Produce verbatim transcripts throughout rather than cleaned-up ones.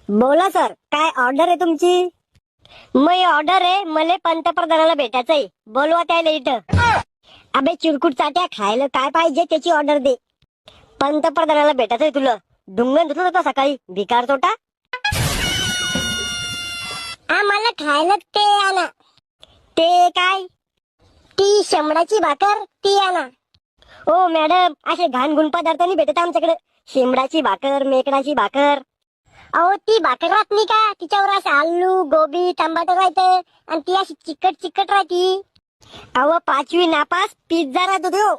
बोला सर, काय ऑर्डर आहे तुमची? मी ऑर्डर आहे, मला पंतप्रधानाला भेटायचंय, बोलवा त्याला इथं. अबे चिरकुट चाट्या, खायला काय पाहिजे त्याची ऑर्डर दे. पंतप्रधानाला भेटायचंय तुला. डुंगण धुतलं होता सकाळी, भिकार तोटा. आम्हाला खायला ते आणा. ते काय? ती शेंबडाची भाकर, ती आणा. ओ मॅडम, असे घाणगुण पदार्थ नाही भेटत आमच्याकडे. शेंबडाची भाकर, मेकडाची भाकर. अहो ती भाकर राहत नाही का, तिच्यावर असं आलू गोबी टमाटर राहते आणि ती अशी चिकट चिकट राहती. अहो पाचवी नापास पिझ्झा राहतो तो.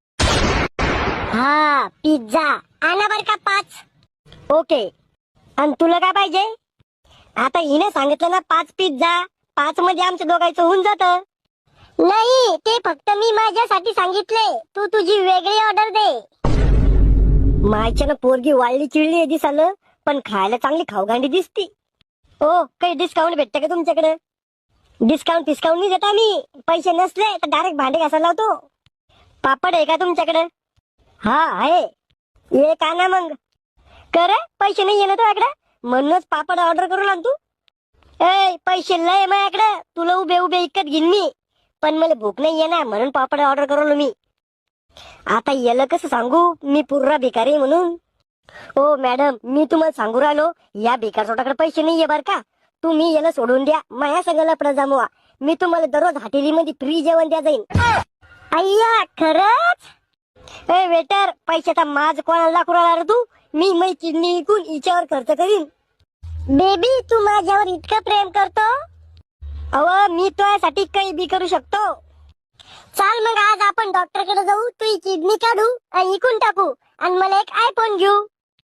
हा पिझ्झा आणा बर का पाच. ओके. आणि तुला काय पाहिजे? आता हिने सांगितलं ना पाच पिझ्झा, पाच मध्ये आमच्या दोघांचं होऊन जात. नाही, ते फक्त मी माझ्यासाठी सांगितले, तू तुझी वेगळी ऑर्डर दे. मायच्यानं पोरगी वाळली चिळली आहे दिसालं, पण खायला चांगली खाऊगांडी दिसती. ओ काही डिस्काउंट भेटते का तुमच्याकडे? डिस्काउंट डिस्काउंट नाही देत आम्ही. पैसे नसले तर डायरेक्ट भांडे घासायला लावतो. पापड आहे का तुमच्याकडे? हा आहे. एक आणा मग. कर पैसे नाही येणार तुझ्याकडे, म्हणूनच पापड ऑर्डर करून आण तू. ए पैसे लय माझ्याकडे, तुला उभे उभे इकत घेईन मी, पण मला भूक नाही येणार म्हणून पापड ऑर्डर करून मी. आता याला कसं सांगू मी पुर्रा भिकारी म्हणून? ओ मॅडम, मी तुम्हाला सांगू राहिलो, या भिकार सोटाकडे पैसे नाहीये बर का. तुम्ही याला सोडून द्या, माया सगळ्याला लपडा जमवा. मी तुम्हाला दररोज हॉटेलीमध्ये फ्री जेवण द्या जाईन. अय्या खरंच? ए वेटर, पैशाचा माज कोणाला दाखवू राहिला रे तू? मी मै किडनी विकून हिच्यावर खर्च करीन. बेबी तू माझ्यावर इतकं प्रेम करतो? अव मी तुझ्यासाठी काही बी करू शकतो. चाल मग आज आपण डॉक्टर कडे जाऊ, तू किडनी काढू आणि इकून टाकू आणि मला एक आयफोन घेऊ.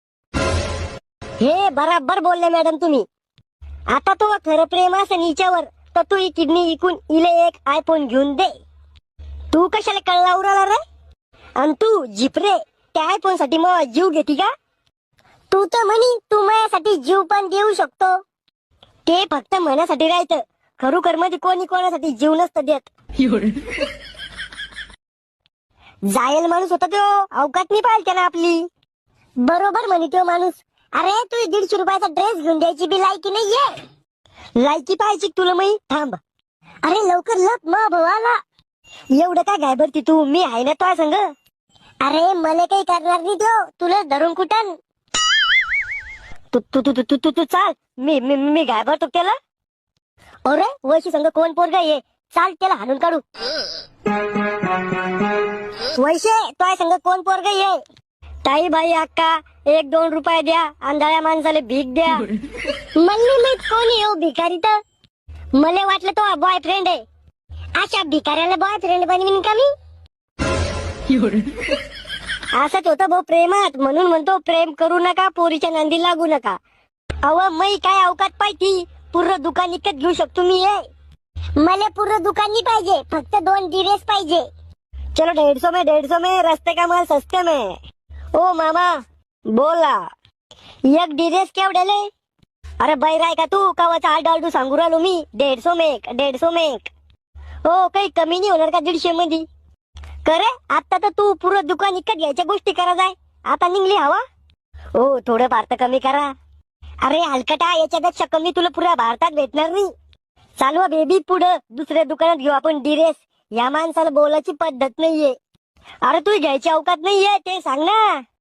हे बराबर बोलले मॅडम तुम्ही. आता तो खरं प्रेम असेल हिच्यावर तर तू ही किडनी विकून इले एक आयफोन घेऊन दे. तू कशाला कळला उराला रे? आणि तू जिपरे, त्या आयफोन साठी मग जीव घेती का? तू तर म्हणी तू माझ्यासाठी जीव पण देऊ शकतो. ते फक्त मनासाठी राहतं, खरोखर मध्ये कोणी कोणासाठी जीव नसतं देत. जायल माणूस होता तो, अवकात नाही पाहिजे त्याला आपली. बरोबर म्हणे तो माणूस. अरे तू दीडशे रुपयाचा ड्रेस घेऊन द्यायची बी लायकी नाहीये. लायकी पाहिजे तुला मी? थांब. अरे लवकर लप, मा भावाला. एवढं काय घाबरती तू? मी आहे ना तुझ्या संग. अरे मला काही करणार नाही तो, तुला धरून कुठं. तू तू तू तू तू तू चाल, मी मी मी घाबरतो त्याला. अरे वैशी संग कोण पोरगा ये, चाल त्याला हाणून काढू. वैशे तुझ्या संग कोण पोरगा ये? ताई बाई अक्का, एक दोन रुपये द्या, आंधळ्या माणसाला भीक द्या. मला माहित कोण येऊ भिकारी तर. मला वाटलं तो बॉयफ्रेंड आहे. अशा भिकाऱ्याला बॉयफ्रेंड बनवीन का मी? असंच होतं भाऊ प्रेमात, म्हणून म्हणतो प्रेम करू नका, पोरीच्या नांदी लागू नका. अव मै काय अवकात पाहिजे, पूर्ण दुकान इकत घेऊ शकतो मी. ये मला पूर्ण दुकान नाही पाहिजे, फक्त दोन ड्रेस पाहिजे. चलो डेढ़ सौ में डेढ़ सौ में रस्ते का माल सस्ते में. ओ मामा बोला, एक ड्रेस केवढ्याले? अरे बैराय का तू? कावाचा आठ डालडू सांगू राहिलो मी. डेढ़ सौ में एक, डेढ़ सौ में एक. हो काही कमी नाही होणार का दीडशे मध्ये? करे आता तर तू पुरं दुकान इकत घ्यायच्या गोष्टी करा जाय, आता निघली हवा. हो थोडं भारत कमी करा. अरे हलकटा, याच्यापेक्षा कमी तुला पुऱ्या भारतात भेटणार नाही. चालवा बेबी पुढं, दुसऱ्या दुकानात घेऊ आपण ड्रेस. या माणसाला बोलायची पद्धत नाहीये. अरे तू घ्यायची अवकात नाहीये ते सांग ना.